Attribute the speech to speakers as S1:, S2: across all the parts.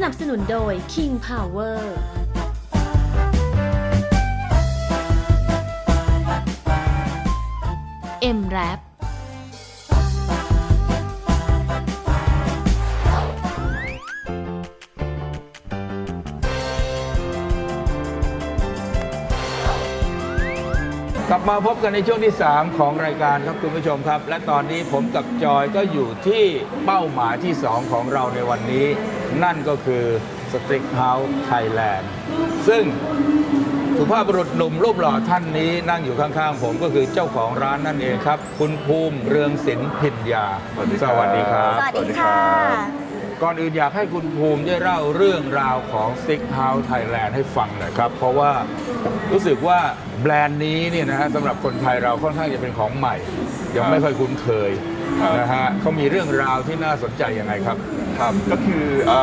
S1: นับสนุนโดย King Power M-Wrap
S2: กลับมาพบกันในช่วงที่ 3 ของรายการครับคุณผู้ชมครับ และตอนนี้ผมกับจอยก็อยู่ที่เป้าหมายที่ 2 ของเราในวันนี้ นั่นก็คือ Strict House Thailand ซึ่งสุภาพบุรุษหนุ่มรูปหล่อท่านนี้นั่งอยู่ข้างๆผมก็คือเจ้าของร้านนั่นเองครับ คุณภูมิเรืองศิลป์พิญญาสวัสดีครับ
S3: สวัสดีค่ะ
S2: ก่อนอื่นอยากให้คุณภูมิได้เล่าเรื่องราวของ Strict House Thailand ให้ฟังหน่อยครับ เพราะว่ารู้สึกว่าแบรนด์นี้เนี่ยนะฮะสำหรับคนไทยเราค่อนข้างจะเป็นของใหม่ ยังไม่ค่อยคุ้นเคยนะฮะเขามีเรื่องราวที่น่าสนใจยังไงครับ
S4: ครับก็คือ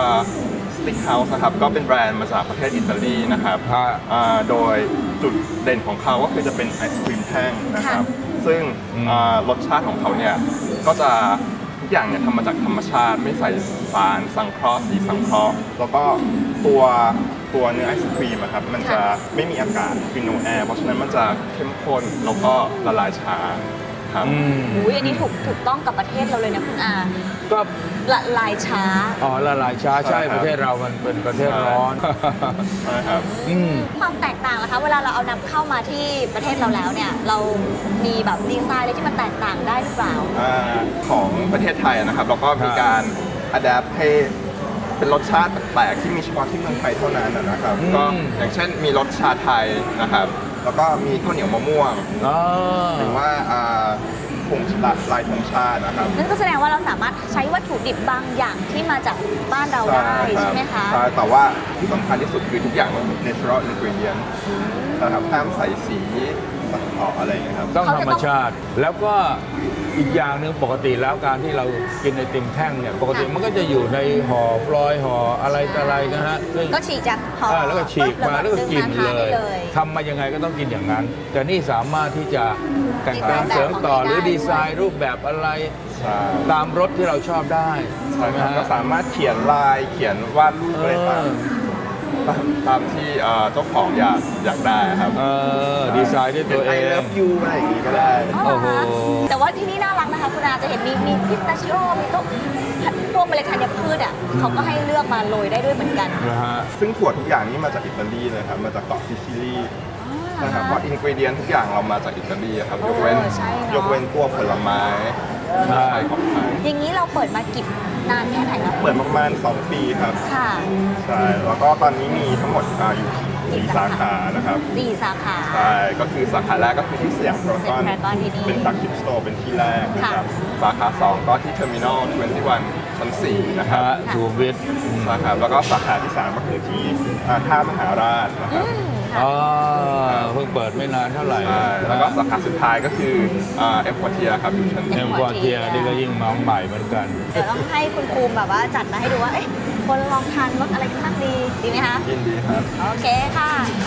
S4: Stick House นะครับก็เป็นแบรนด์มาจากประเทศอิตาลีนะครับโดยจุดเด่นของเขาก็คือจะเป็นไอศครีมแท่งนะครับซึ่งรสชาติของเขาเนี่ยก็จะทุกอย่างเนี่ยทำมาจากธรรมชาติไม่ใส่สารสังเคราะห์สีสังเคราะห์แล้วก็ตัวเนื้อไอศครีมครับมันจะไม่มีอากาศคือ no air เพราะฉะนั้นมันจะเข้มข้นแล้วก็ละลายช้าครับ
S3: อันนี้ถูกต้องกับประเทศเราเลยนะคุณอา
S2: ก็
S3: ละลายช้า
S2: ละลายช้าใช่ประเทศเรามันเป็นประเทศร้อน
S4: ใช่ครับ
S3: ความแตกต่างนะคะเวลาเราเอานำเข้ามาที่ประเทศเราแล้วเนี่ยเรามีแบบดีไซน์อะไรที่มันแตกต่างได้หรือเปล่า
S4: ของประเทศไทยนะครับเราก็มีการอัดแอปให้เป็นรสชาติแปลกๆที่มีเฉพาะที่เมืองไทยเท่านั้นนะครับก็อย่างเช่นมีรสชาไทยนะครับแล้วก็มีข้าวเหนียวมะม่วงหรือว่าผงลายธงชาตินะครับ
S3: นั่นก็แสดงว่าเราสามารถใช้วัตถุดิบบางอย่างที่มาจากบ้านเราได้ใช่ไหมคะ
S4: ใช่แต่ว่าที่สำคัญที่สุดคือทุกอย่างมัน natural ingredient นะครับห้ามใส่สีสังเคราะห์อะไรอย่างเงี้ยครับ
S2: ต้องธรรมชาติแล้วก็อีกอย่างหนึ่งปกติแล้วการที่เรากินไอติมแท่งเนี่ยปกติมันก็จะอยู่ในห่อฟลอยห่ออะไรต่ออะไรนะฮะ
S3: ก็ฉีกจากห่อ
S2: แล้วก็ฉีกมาแล้วก็กินเลยทำมายังไงก็ต้องกินอย่างนั้น แต่นี่สามารถที่จะแต่งเติมเสริมต่อหรือดีไซน์รูปแบบอะไรตามรสที่เราชอบได้
S4: ใช่ไหมฮะก็สามารถเขียนลายเขียนวาดรูปอะไรตามที่เจ้าของอยากได้ครับ
S2: ดีไซน์ด้วยตัวเอง
S4: I love you อะไรอย่างงี้ก็ได้
S3: โอ้โหแต่ว่าที่นี่น่ารักนะคะคุณอาจะเห็นมีพิสตาชิโอมีพวกเมล็ดธัญพืชเขาก็ให้เลือกมาโรยได้ด้วยเหมือนกัน
S4: ซึ่งถั่วทุกอย่างนี้มาจากอิตาลีเลยครับมาจากเกาะซิซิลีนะครับเพราะอินกรีเดียนทุกอย่างเรามาจากอิตาลีครับยกเว้นตัวผลไม้ของไทย
S3: อย่างนี้เราเปิดมากี่นานแค่ไหนครับ
S4: เปิดประมาณ2 ปีครับ
S3: ค่ะ
S4: ใช่แล้วก็ตอนนี้มีทั้งหมดอยู่4 สาขานะครับ
S3: 4 สาขา
S4: ใช่ก็คือสาขาแรกก็คือที่สยามพารากอนเป็นแฟลกชิพสโตร์เป็นที่แรกนะครับสาขา2ก็ที่เทอร์มินอล21ชั้น4นะครับ
S2: สุขุมวิท
S4: นะครับแล้วก็สาขาที่3ก็คือที่ท่ามหาราชนะครับ
S2: เพิ่งเปิดไม่นานเท่าไหร่
S4: แล้วก็สาขาสุดท้ายก็คือเอ็มควอเทียครับอยู่ชั้น
S2: เอ็มควอเทียนี่ก็ยิ่งน้องใหม่เหมือนกัน
S3: เดี๋ยวต้องให้คุณภูมิแบบว่าจัดมาให้ดูว่าคนลองทานรสอะไรกันบ้างดีไหมคะ
S4: ยินดีครับ
S3: โอเคค่ะ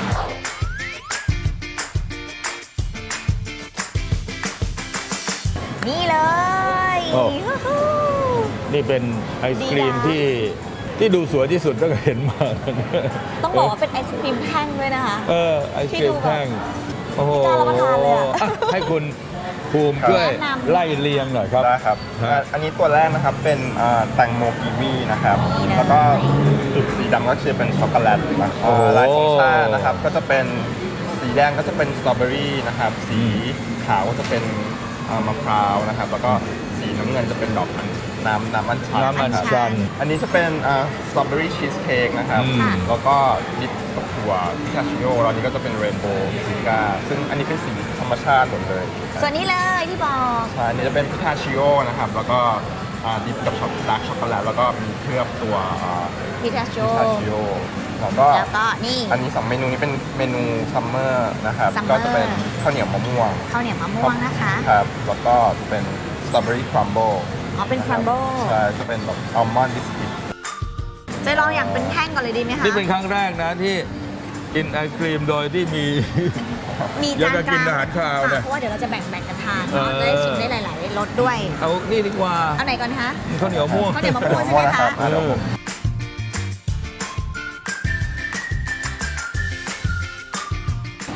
S3: นี่เลย
S2: นี่เป็นไอศครีมที่ดูสวยที่สุดตั้งแต่เห็นมา
S3: ต้องบอกว่าเป็นไอศครีมแท่งด้วยนะคะ
S2: ไอศครีมแท่ง
S3: โอ้โหน่ารับประทานเลย
S2: ให้คุณภูมิช่วยไล่เรียงหน่อยครับ
S4: ได้ครับอันนี้ตัวแรกนะครับเป็นแตงโมกีวีนะครับแล้วก็จุดสีดำก็จะเป็นช็อกโกแลตลายธงชาตินะครับก็จะเป็นสีแดงก็จะเป็นสตรอเบอรี่นะครับสีขาวก็จะเป็นมะพร้าวนะครับแล้วก็สีน้ำเงินจะเป็นดอกน้ำมันชันอันนี้จะเป็นสตรอเบอรี่ชีสเค้กนะครับแล้วก็ดิปกับถั่วพิทาชิโอแล้วนี้ก็จะเป็นเรนโบว์ซิก้าซึ่งอันนี้เป็นสีธรรมชาติหมดเลย
S3: ส่วนนี้เลยที่บอก
S4: อันนี้จะเป็นพิทาชิโอนะครับแล้วก็ดิปกับดาร์กช็อกโกแลตแล้วก็มีเคลือบตัว
S3: พิทาชิโอ
S4: แล้วก็
S3: นี่
S4: อันนี้2 เมนูนี้เป็นเมนูซัมเมอร์นะครับก็จะเป็นข้าวเหนียวมะม่วง
S3: นะคะ
S4: ครับแล้วก็จะเป็นสตรอเบอรี่ครัมเบิล
S3: เป็นครัมเบิล
S4: ใช่จะเป็นแบบอัลมอนด์บิสกิต
S3: จะลองอย่างเป็นแท่งก่อนเลยดีไหมคะ
S2: นี่เป็นครั้งแรกนะที่กินไอศครีมโดยที่มี
S3: จานกลาง
S2: อาหารข้าวนะ
S3: เพราะว่าเดี๋ยวเราจะแบ่งกันทานจะได้ชิมได้หลายๆรสด้วย
S2: เอานี่ดีกว่า
S3: เอาไหนก่อนคะ
S2: ข้าวเหนียวม่วง
S3: ใช่ไหมคะ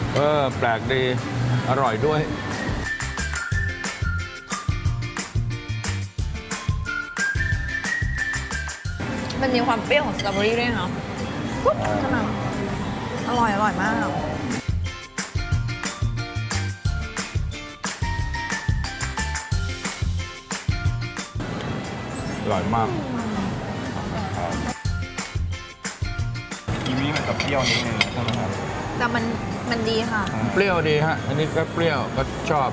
S2: แปลกดี อร่อยด้วย
S3: มันมีความเปรี้ยวของสตรอเบอรี่ด้วยเนาะปุ๊บขึ้นมาอร่อยมาก
S2: อร่อยมาก
S4: กีวีมันจะเปรี้ยวนิดนึงใช่ไหมครับ
S3: แต่มันดีค่ะ
S2: เปรี้ยวดีฮะ อันนี้ก็เปรี้ยวก็ชอบ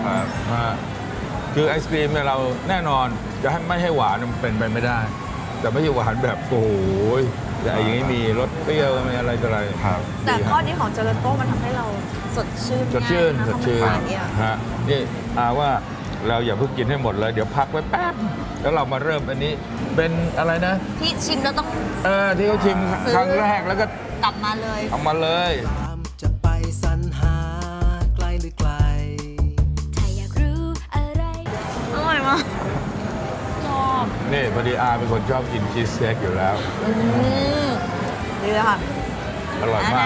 S2: คือไอศครีมเนี่ยเราแน่นอนจะให้ไม่ให้หวานมันเป็นไปไม่ได้ แต่ไม่ใช่หวานแบบโอ้โหแต่อย่างนี้มีรสเปรี้ยวมีอะไรต่ออะไร
S4: ครับ
S3: แต่
S2: ดีฮะ
S3: ข้อดีของเจลาโต้มันทำให้เราสดชื่น
S2: สดชื่น
S3: ง่ายะ
S2: สดชื่น
S3: เพราะมันหวานเนี่ย
S2: ฮะนี่ว่าเราอย่าเพิ่งกินให้หมดเลย เดี๋ยวพักไว้แป๊บ แล้วเรามาเริ่มอันนี้เป็นอะไรนะ
S3: ที่ชิมแล้วต้อง
S2: ที่เขาชิม
S3: ซื้อ
S2: ครั้งแรกแล้วก็
S3: กลับมาเลย
S2: เอามาเลย
S5: จะไปสรรหาไกลหรือไกล
S1: ถ้าอยากรู้อะไร
S3: อร่อยมากชอบ
S2: นี่พอดีเป็นคนชอบกินชีสเค้กอยู่แล้ว
S3: ดีเลยค่ะ
S2: อร่อยมาก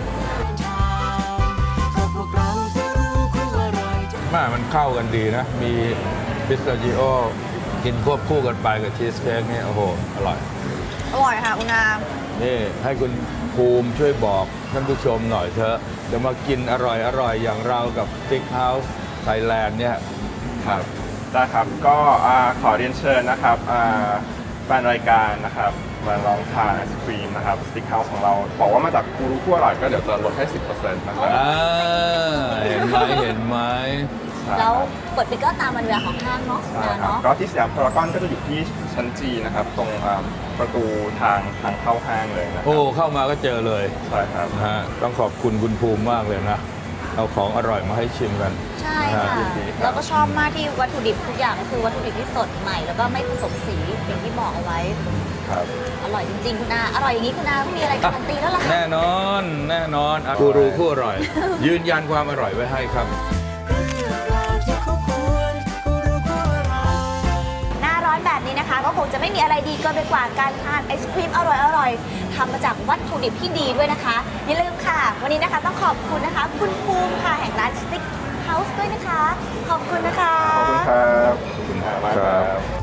S5: ก็พวกเราก็รู้คู่อร่อย
S2: มันเข้ากันดีนะ มีพิสตาชิโอกินควบคู่กันไปกับชีสเค้กนี่โอ้โห อร่อย
S3: อร่อยค่ะคุณอา
S2: นี่ให้คุณภูมิช่วยบอกท่านผู้ชมหน่อยเถอะจะมากินอร่อยอย่างเรากับStick House Thailand เนี่ย
S4: ครับได้ครับก็ขอเรียนเชิญนะครับแฟนรายการนะครับมาลองทานไอศครีมนะครับสติ๊กเฮาส์ของเราบอกว่ามาจากกูรูคู่อร่อยก็เดี๋ยวจะลดให้ 10% นะครับ
S2: เห็นไหมเห็นไหม
S3: แล้วเปิดปิดก็ตามวันเวลาของห้างเนาะ
S4: ใช่
S3: นะครับ เนาะ
S4: ก็ที่สยามพารากอนก็จะอยู่ที่ชั้นจีนะครับ ตรงประตูทางเข้าห้างเลยนะค
S2: โอ้
S4: รับ
S2: เข้ามาก็เจอเลย
S4: ใช่ครับ
S2: นะฮะต้องขอบคุณคุณภูมิมากเลยนะ เอาของอร่อยมาให้ชิมกัน
S3: ใช่ค่ะ
S2: นะฮะ
S3: แล้วก็ชอบมากที่วัตถุดิบทุกอย่างก็คือวัตถุดิบที่สดใหม่ แล้วก็ไม่ผสมสีอย่างที่บอกเอาไว้
S4: ครับ
S3: อร่อยจริงๆคุณอาอร่อยอย่างนี้คุณอาไม่มีอะไรการันตีแล้วล่ะค่ะ
S2: แน่นอนแน่นอนกูรูคู่อร่อย ยืนยันความอร่อยไว้ให้ครับ
S3: หน้าร้อนแบบนี้นะคะ ก็คงจะไม่มีอะไรดีเกินไปกว่าการทานไอศครีมอร่อยๆทำมาจากวัตถุดิบที่ดีด้วยนะคะ อย่าลืมค่ะ วันนี้นะคะต้องขอบคุณนะคะ คุณภูมิค่ะแห่งร้าน Stick House ด้วยนะคะ ขอบคุณนะคะ
S4: ขอบคุณครับขอบคุณมากครับ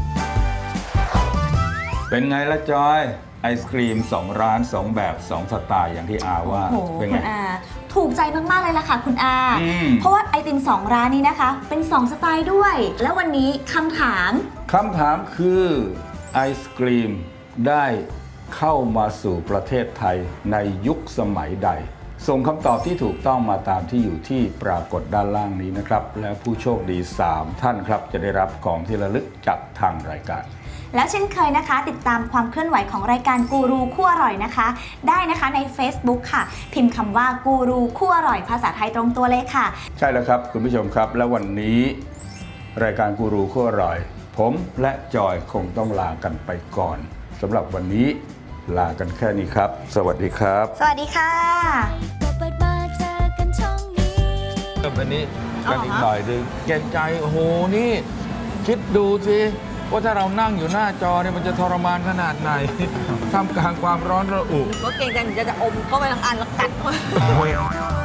S2: เป็นไงละจอย ไอศครีม 2 ร้าน 2 แบบ 2 สไตล์อย่างที่อาว่า
S3: โอ้โห
S2: เป็น
S3: คุ
S2: ไง
S3: ณอาถูกใจมาก ๆ เลยล่ะค่ะคุณอา
S2: อืม
S3: เพราะว่าไอติม 2 ร้านนี้นะคะ เป็น 2 สไตล์ด้วย แล้ววันนี้คำถาม
S2: คำถามคือไอศกรีมได้เข้ามาสู่ประเทศไทยในยุคสมัยใด ส่งคำตอบที่ถูกต้องมาตามที่อยู่ที่ปรากฏด้านล่างนี้นะครับ และผู้โชคดี 3 ท่านครับ จะได้รับของที่ระลึกจากทางรายการ
S3: แล้วเช่นเคยนะคะ ติดตามความเคลื่อนไหวของรายการกูรูคู่อร่อยนะคะ ได้นะคะใน Facebook ค่ะ พิมพ์คำว่ากูรูคู่อร่อยภาษาไทยตรงตัวเลยค่ะ
S2: ใช่แล้วครับคุณผู้ชมครับ และวันนี้รายการกูรูคู่อร่อย ผมและจอยคงต้องลากันไปก่อนสำหรับวันนี้ลากันแค่นี้ครับ สวัสดีครับ
S3: สวัสดีค่ะ
S1: เปิดมาเจอกันช่องนี้
S2: เริ่มอันนี้
S3: อ๋อ
S2: กันอีกหน่อยดึงเกรงใจโอ้โหนี่ คิดดูสิว่าถ้าเรานั่งอยู่หน้าจอเนี่ยมันจะทรมานขนาดไหน ท่ามกลางความร้อนระอุ
S3: ก็เก่งใจหนูจะอมเข้าไปทั้งอันแล้วกัดเข้าไป
S2: โอ้ย